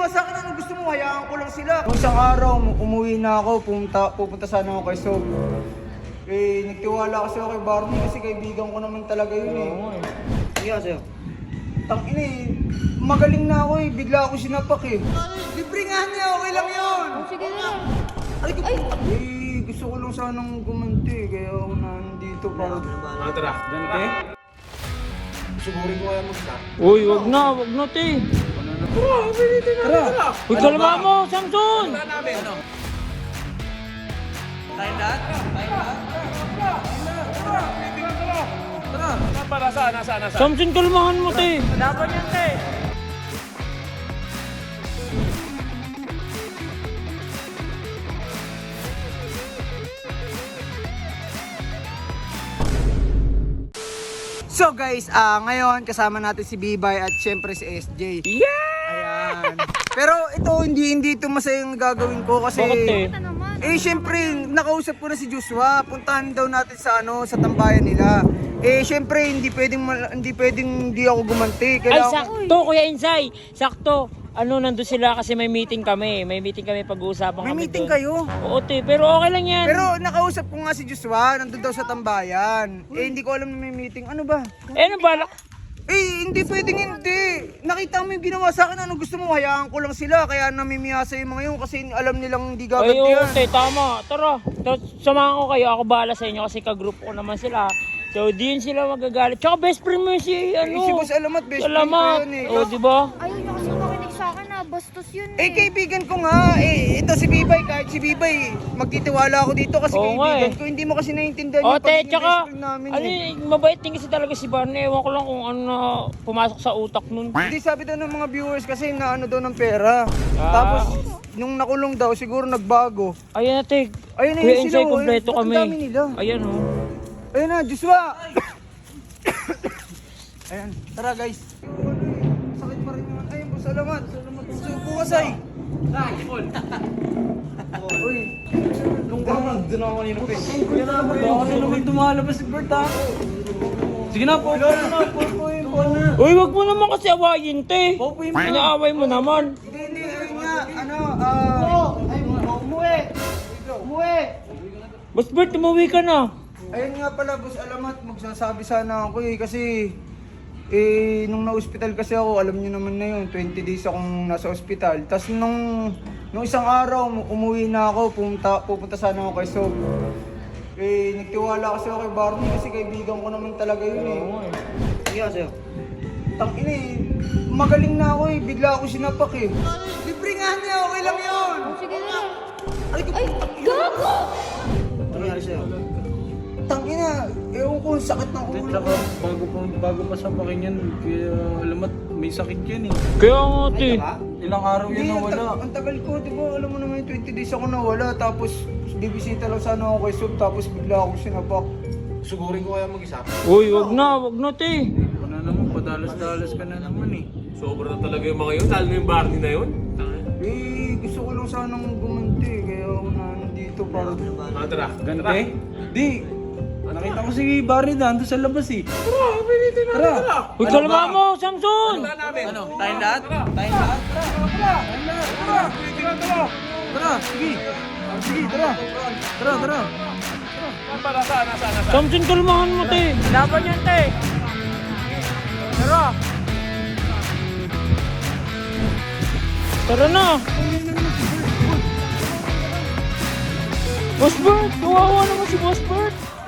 ginawa sa akin, ano gusto mo? Hayaan ko lang sila. Nung isang araw, umuwi na ako, pupunta sana ako kay Sob. Eh, nagtiwala kasi ako kay Barney kasi kaibigan ko naman talaga yun eh. Oo nga eh. Sige nga sa'yo. Tangina eh, magaling na ako eh, bigla ako sinapak eh. Libre nga niya, okay lang yun. Sige na. Ay, gusto ko lang sanang gumanti, kaya ako nandito para... Tara. Ganti? Sugurin ko kaya mag-stop. Uy, wag na, te. Tara! Uy, kalma mo, Samson! Tara namin. Ano? Tara. Nasaan? Samson, kalmahan mo, te. Laban yan, te. So guys, ngayon kasama natin si Bibay at syempre si SJ. Yeah! Ayan. Pero ito, hindi ito masayang gagawin ko kasi... Bakit, te? Ito naman. Eh syempre, nakausap ko na si Joshua. Puntahan daw natin sa sa tambayan nila. Eh syempre, hindi pwedeng hindi ako gumanti. Ay, Kailangan sakto, Kuya Insay. Sakto. Ano, nandun sila kasi may meeting kami. May meeting kami, pag-uusapan May kami meeting doon. kayo? Oo, te. Pero okay lang yan. Pero nakausap ko nga si Joshua, nandun daw sa tambayan. Eh hindi ko alam na may meeting. Ano ba? Ano balak? Eh, hindi pwedeng hindi. Nakita mo yung ginawa sa akin, ano gusto mo? Hayaan ko lang sila, kaya namimiyasa yung mga yun kasi alam nilang hindi Ay, oo, gagantihan. te. Tama. Tara. Samahan ko kayo. Ako bahala sa inyo kasi ka-group ko naman sila. So, di yun sila magagalit. Tsaka best friend mo si, Eh, si Boss Alamat, best friend ko Alamat. yun eh. Oo, di ba? Ayaw niya kasi makinig sa akin na bastos yun Eh, kaibigan ko nga. Eh, ito si Bibay, kahit si Bibay, magtitiwala ako dito kasi Oo nga kaibigan eh. ko. Hindi mo kasi naiintindihan Oh, yung te, pagiging tsaka, best friend namin ano, eh. mabait din kasi talaga si Barney. Ewan ko lang kung ano na pumasok sa utak nun. Hindi, sabi daw ng mga viewers kasi na ano daw ng pera. Ah. Tapos, nung nakulong daw, siguro nagbago. Ayan na, te. Ayun na Kuya yun sila. Insay, kompleto Ang kami. dami nila. Ayan, oh. Ayun na, Joshua! Ayan, tara guys. Sakit pa rin naman. Ayun po, salamat. Subo ka, Say. Uy. Nung doon ako kanina pa eh. Baka na naman tumalabas si Bert, ha? Sige na, po po yung corner. Uy, wag mo naman kasi awayin, te. Po yung Inaaway mo naman. Hindi, ayun nga, umuwi. Umuwi. Boss Bert, umuwi ka na. Ayun nga pala, Boss Alamat, magsasabi sana ako eh, kasi nung na-hospital kasi ako, alam niyo naman na yun, 20 days akong nasa hospital. Tapos nung isang araw, umuwi na ako, pupunta sana ako kay Sob. Eh, nagtiwala kasi ako kay Barney kasi kaibigan ko naman talaga yun eh. Oo nga eh. Sige nga sa'yo. Tangina eh, magaling na ako eh, bigla ako sinapak eh. Libre nga niya, okay lang yun. Sige na. Ay, Gago! ano nangyari sa'yo? Tangina, ewan ko, sakit ng ulo Tsaka ko. bago pa sa pakin yan, kaya alamat may sakit yan eh. Kaya nga, te. Ilang araw Hindi, yan nawala. ang tagal ko, di ba? Alam mo naman yung 20 days ako nawala, tapos bibisita lang sana ako kay Sob, tapos bigla akong sinapak. Sugurin ko kaya mag-isa. Uy, wag na, te. Ano naman, padalas-dalas ka na naman eh. Sobra na talaga yung mga yun, lalo na yung Barney na yun. Eh, gusto ko lang sanang gumanti, kaya ako nandito para... Tara. Ganti? Di. Nakita ko si Barney na, sa labas eh. Tara! Uy, kalma mo, Samson. Tara namin. Ano? Tayong lahat? Tayong lahat? Tara! Sige! Sige, tara! Tara! Nasaan? Samson, kalmahan mo, te. Laban yan, te. Tara. Tara na. Boss Bert, kawawa naman si Boss Bert.